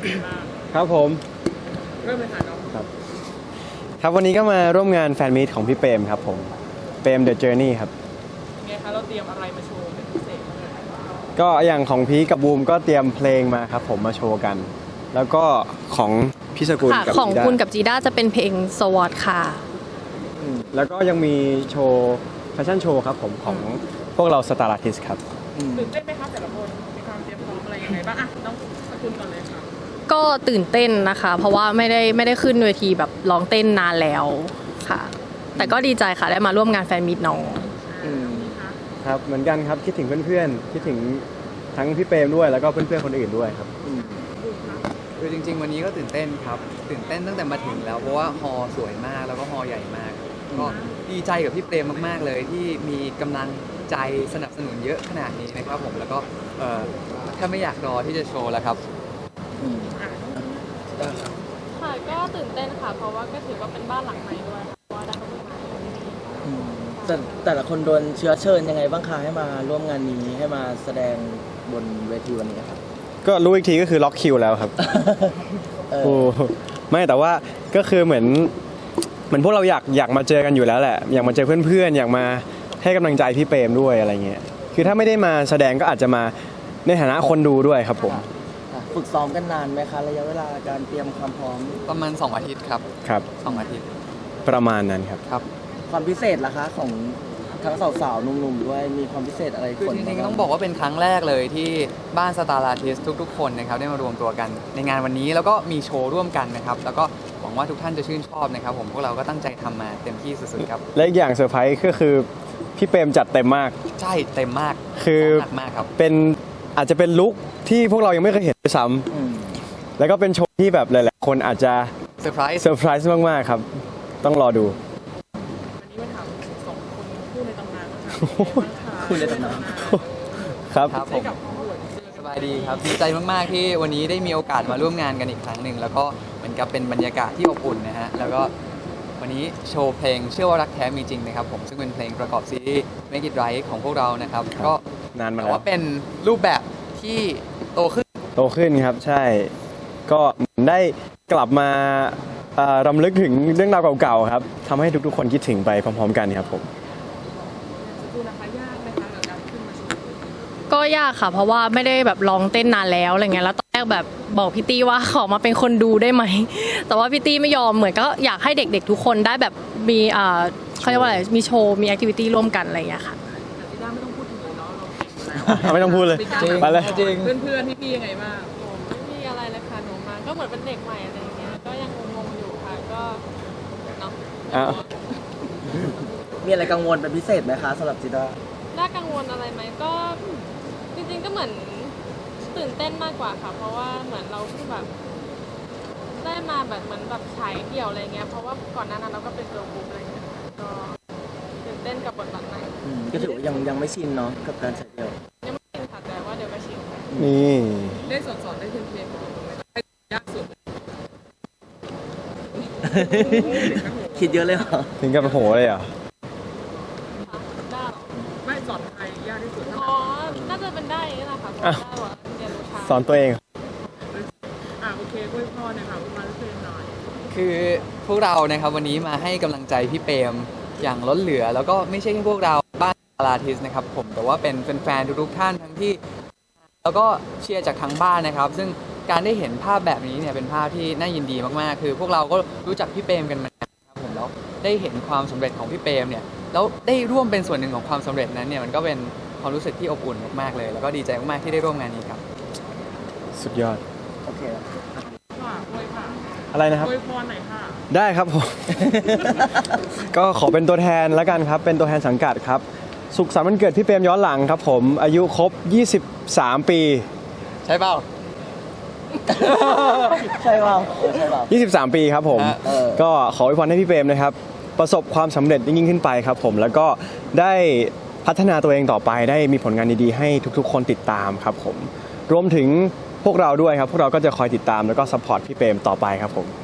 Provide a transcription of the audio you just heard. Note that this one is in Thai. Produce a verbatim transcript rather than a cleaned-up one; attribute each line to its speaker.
Speaker 1: ครับผม
Speaker 2: เริ่มเลยค่ะน้อง
Speaker 1: ครับครับวันนี้ก็มาร่วมงานแฟนมีตของพี่เปรมครับผมเปรม The Journey ครับ
Speaker 2: ไงคะเราเตรียมอะไรมาโชว์เป็นพิเศษบ้าง
Speaker 1: ก็อย่างของพีกับบูมก็เตรียมเพลงมาครับผมมาโชว์กัน แล้วก็ของพี่สกุลกับ
Speaker 3: ของ
Speaker 1: จีด้า
Speaker 3: คุณกับจีด้าจะเป็นเพลงสวอตค่ะ
Speaker 1: อืมแล้วก็ยังมีโชว์แฟชั่นโชว์ครับผมของพวกเราสตาร์อาร์ติสครับ
Speaker 2: ตื่นเต้นไหมคะแต่ละคนมีความเตรียมพร้อมอะไรยังไงบ้างอ่ะน้องสกุลก่อนเลยค่ะ
Speaker 3: ก็ตื่นเต้นนะคะ เพราะว่าไม่ได้ไม่ได้ขึ้นเวทีแบบร้องเต้นนานแล้วค่ะ แต่ก็ดีใจค่ะได้มาร่วมงานแฟนมีตน้อง
Speaker 1: ครับเหมือนกันครับคิดถึงเพื่อนๆคิดถึงทั้งพี่เปรมด้วยแล้วก็เพื่อนๆคนอื่นด้วยครับ
Speaker 4: คือจริงๆวันนี้ก็ตื่นเต้นครับตื่นเต้นตั้งแต่มาถึงแล้วเพราะว่าฮอสวยมากแล้วก็ฮอใหญ่มากก็ดีใจกับพี่เปรมมากๆเลยที่มีกำลังใจสนับสนุนเยอะขนาดนี้นะครับผมแล้วก็เอ่อถ้าไม่อยากรอที่จะโชว์แล้วครับ
Speaker 5: ค่ะก็ตื่นเต้นค่ะเพราะว่าก็ถือว่าเป็นบ้านหลังใหม่ด้วยเพราะว่าได้เข้ามา
Speaker 6: แต่แต่ละคนโดนเชื้อเชิญยังไงบ้างคะให้มาร่วมงานนี้ให้มาแสดงบนเวทีวันนี้ครับ
Speaker 1: ก็รู้อีกทีก็คือล็อกคิวแล้วครับโอ้ไม่แต่ว่าก็คือเหมือนเหมือนพวกเราอยากอยากมาเจอกันอยู่แล้วแหละอยากมาเจอเพื่อนๆอยากมาให้กำลังใจพี่เปรมด้วยอะไรเงี้ยคือถ้าไม่ได้มาแสดงก็อาจจะมาในฐานะคนดูด้วยครับผม
Speaker 6: ฝึกซ้อมกันนานไหมคะระยะเวลาการเตรียมความพร้อม
Speaker 4: ประมาณสองอาทิตย์ครับ
Speaker 1: ครับ
Speaker 4: สองอาทิตย์
Speaker 1: ประมาณนั้นครับ
Speaker 4: ครับ
Speaker 6: ความพิเศษล่ะคะของทั้งสาวๆหนุ่มๆด้วยมีความพิเศษอะไร
Speaker 4: คือจริงๆต้องบอกว่าเป็นครั้งแรกเลยที่บ้านสตาร์อาร์ติสทุกๆคนนะครับได้มารวมตัวกันในงานวันนี้แล้วก็มีโชว์ร่วมกันนะครับแล้วก็หวังว่าทุกท่านจะชื่นชอบนะครับผมพวกเราก็ตั้งใจทำมาเต็มที่สุดๆครับ
Speaker 1: และอีกอย่างเซอร์ไพรส์ก็คือพี่เปรมจัดเต็มมาก
Speaker 4: ใช่เต็มมาก
Speaker 1: คือ
Speaker 4: หนักมากครับ
Speaker 1: เป็นอาจจะเป็นลุคที่พวกเรายังไม่เคยเห็นด้วยซ้ำแล้วก็เป็นโชว์ที่แบบหลายๆคนอาจจะ
Speaker 4: เซอร์ไพรส์
Speaker 1: เซอร์ไพรส์มากๆครับต้องรอดู
Speaker 2: วันนี้มาถามสองคนคู่ในตำนานค่ะ
Speaker 6: คู่ในตำนาน
Speaker 1: ครับ
Speaker 4: ครับผมสบายดีครับดีใจมากๆที่วันนี้ได้มีโอกาสมาร่วมงานกันอีกครั้งหนึ่งแล้วก็เหมือนกับเป็นบรรยากาศที่อบอุ่นนะฮะแล้วก็วันนี้โชว์เพลงเชื่อว่ารักแท้มีจริงนะครับผมซึ่งเป็นเพลงประกอบซีรีส์ Make It Right ของพวกเรานะครับก็
Speaker 1: นานมา
Speaker 4: แล้วว่าเป็นรูปแบบที่โตขึ้น
Speaker 1: โตขึ้นครับใช่ก็ได้กลับมารำลึกถึงเรื่องราวเก่าๆครับทำให้ทุกๆคนคิดถึงไปพร้อมๆกันครับผม
Speaker 3: ก็ยากค่ะเพราะว่าไม่ได้แบบลองเต้นนานแล้วอะไรเงี้ยแล้วตอนแรกแบบบอกพี่ตี้ว่าขอมาเป็นคนดูได้ไหมแต่ว่าพี่ตี้ไม่ยอมเหมือนก็อยากให้เด็กๆทุกคนได้แบบมีอ่าเขาเรียกว่าอะไรมีโชว์มีแอคทิวิตี้ร่วมกันอะไรอย่างเงี้ยค่ะ
Speaker 2: จีด้าไม่ต้องพูดถึงเลยเนาะ
Speaker 1: เราไม่ต้องพูดเลย
Speaker 2: ไป
Speaker 1: เลย
Speaker 2: จริงเพื่อนๆพี่ๆยังไงบ้าง
Speaker 5: ไม่มีอะไรเลยค่ะหนูมาก็เหมือนเป็นเด็กใหม่อะไรเงี้ยก็ยังงงๆอยู่ค่ะก็เนาะ
Speaker 6: มีอะไรกังวลเป็นพิเศษไหมคะสำหรับจีด้า
Speaker 5: น่ากังวลอะไรไหมก็จริงๆก็เหมือนตื่นเต้นมากกว่าค่ะเพราะว่าเหมือนเราเพิ่งแบบได้มาแบบเหมือนแบบฉายเดี่ยวอะไรเงี้ยเพราะว่าก่อนหน้านั้นเราก็เป็นเกิร์ลกรุ๊ปอะไรเงี้ยก็ตื่นเต้นกับบทบาทใหม่
Speaker 6: ก็ถือว่ายังยังไม่ชินเนาะกับการฉายเดี่ยว
Speaker 5: ยังไม่ชินค่ะแต่ว่าเดี๋ยวก็ชิน
Speaker 1: นี่
Speaker 2: ได้สอนสอนได้เทมเพลตของตรงไหนยากสุด
Speaker 6: คิดเยอะเลยเหรอ
Speaker 1: ถึงกับโหเลยเหรอ
Speaker 2: ไม่สอนใครยากที่สุด
Speaker 5: อ๋อน่าจะเป็นได้นี่แหละค่ะเพราะว่าเรียนรู้ช้า
Speaker 1: สอนตัวเอง
Speaker 2: อ่ะโอเคอวยพรหน่อยค่ะมาเพื่อนหน่อย
Speaker 4: คือพวกเรานะครับวันนี้มาให้กำลังใจพี่เปรมอย่างล้นเหลือแล้วก็ไม่ใช่แค่พวกเราบ้านสตาร์อาร์ติสนะครับผมแต่ว่าเป็นแฟนๆทุกๆท่านทั้งที่แล้วก็เชียร์จากทางบ้านนะครับซึ่งการได้เห็นภาพแบบนี้เนี่ยเป็นภาพที่น่ายินดีมากๆคือพวกเราก็รู้จักพี่เปรมกันมาครับผมแล้วได้เห็นความสำเร็จของพี่เปรมเนี่ยแล้วได้ร่วมเป็นส่วนหนึ่งของความสำเร็จนั้นเนี่ยมันก็เป็นความรู้สึกที่อบอุ่นมากๆเลยแล้วก็ดีใจมากๆที่ได้ร่วมงานนี้ครับ
Speaker 1: สุดยอด
Speaker 6: โอเค
Speaker 2: ค่ะอวยค่ะ
Speaker 1: อะไรนะครับ
Speaker 2: อวยพรหน่อยค่ะ
Speaker 1: ได้ครับผม ก็ขอเป็นตัวแทนแล้วกันครับเป็นตัวแทนสังกัดครับสุขสันต์วันเกิดพี่เปรมย้อนหลังครับผมอายุครบยี่สิบสามปี
Speaker 4: ใช่เปล่า
Speaker 6: ใช่เปล่าใช่เปล่า
Speaker 1: ยี่สิบสามปีครับผมก็ขออวยพรให้พี่เปรมนะครับประสบความสำเร็จยิ่งขึ้นไปครับผมแล้วก็ได้พัฒนาตัวเองต่อไปได้มีผลงานดีๆให้ทุกๆคนติดตามครับผมรวมถึงพวกเราด้วยครับพวกเราก็จะคอยติดตามแล้วก็ซัพพอร์ตพี่เปรมต่อไปครับผม